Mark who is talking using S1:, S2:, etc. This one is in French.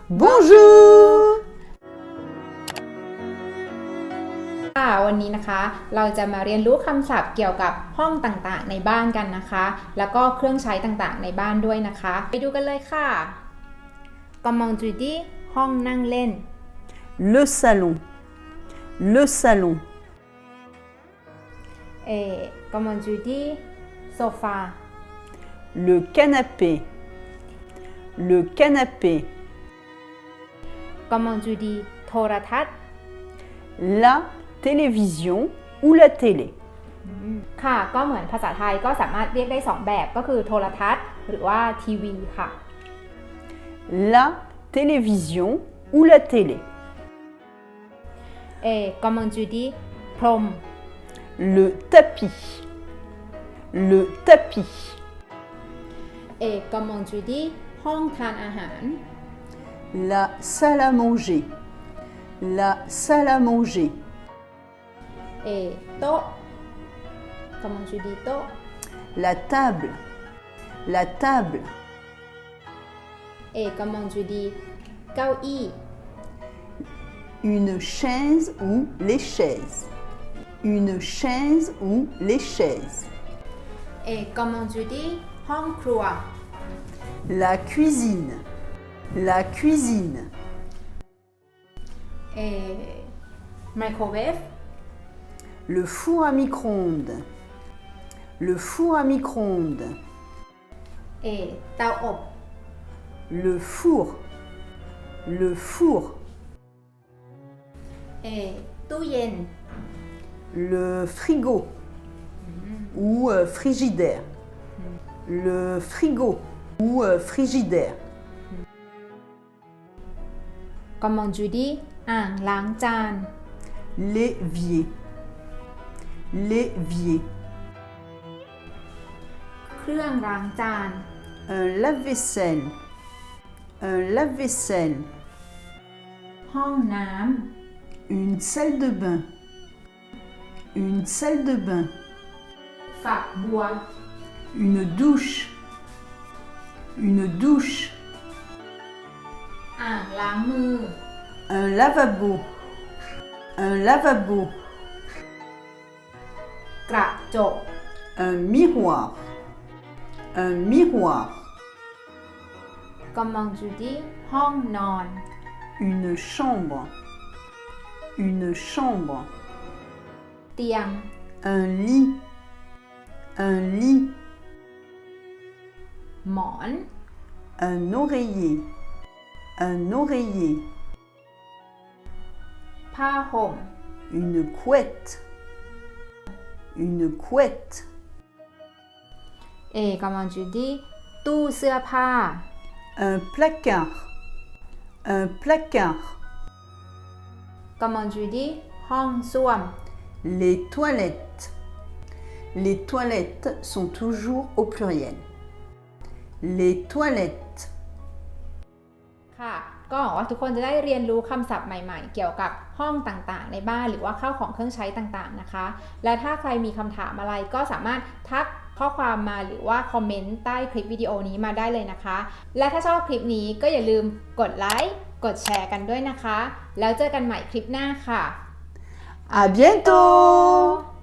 S1: Bonjour
S2: ค่ะวันนี้นะคะเราจะมาเรียนรู้คำศัพท์เกี่ยวกับห้องต่างๆในบ้านกันนะคะแล้วก็เครื่องใช้ต่างๆในบ้านด้วยนะคะไปดูกันเลยค่ะ Comment tu dis ห้องนั่งเล่น
S1: Le salon Le salon
S2: Comment tu dis โซฟา
S1: Le canapé Le canapé
S2: Comment tu dis โทรทัศน์
S1: La télévision ou la télé
S2: ค่ะก็เหมือนภาษาไทยก็สามารถเรียกได้2แบบก็คือโทรทัศน์หรือว่าทีวีค่ะ
S1: La télévision ou la télé
S2: Comment tu dis พรม
S1: Le tapis Le tapis
S2: Comment tu dis ห้องทานอาหาร
S1: La salle à manger La salle à manger
S2: โต๊ะ Comment tu dis โต๊ะ
S1: La table La table
S2: Comment tu dis เก้าอี้
S1: Une chaise ou les chaises Une chaise ou les chaises
S2: Comment tu dis ห้องครัว
S1: La cuisine La cuisine
S2: Microwave
S1: Le four à micro-ondes Le four à micro-ondes
S2: เตาอบ
S1: Le four Le four
S2: ตู้เย็น
S1: Le frigo ou frigidaire Le frigo ou frigidaire
S2: Comment tu dis อ่างล้างจาน
S1: L'évier L'évier
S2: เครื่องล้างจาน
S1: Un lave-vaisselle Un lave-vaisselle
S2: ห้องน้ำ
S1: Une salle de bain Une salle de bain
S2: ฝักบัว
S1: Une douche Une douche
S2: อ่างล้างมือ
S1: Un lavabo Un lavabo
S2: กระจก
S1: Un miroir Un miroir
S2: Comment tu dis ห้องนอน
S1: Une chambre Une chambre
S2: เตียง
S1: Un lit Un lit
S2: หมอน
S1: Un oreiller Un oreiller
S2: ผ้าห่ม
S1: Une couette Une couette
S2: Comment tu dis ตู้เสื้อผ้า
S1: Un placard Un placard
S2: Comment tu dis ห้องส้วม
S1: Les toilettes Les toilettes sont toujours au pluriel Les toilettes
S2: ค่ะ ก็หวังว่าทุกคนจะได้เรียนรู้คำศัพท์ใหม่ๆ เกี่ยวกับห้องต่างๆ ในบ้านหรือว่าข้าวของเครื่องใช้ต่างๆนะคะ และถ้าใครมีคำถามอะไรก็สามารถทักข้อความมาหรือว่าคอมเมนต์ใต้คลิปวิดีโอนี้มาได้เลยนะคะ และถ้าชอบคลิปนี้ก็อย่าลืมกดไลค์กดแชร์กันด้วยนะคะ แล้วเจอกันใหม่คลิปหน้าค่ะ
S1: À bientôt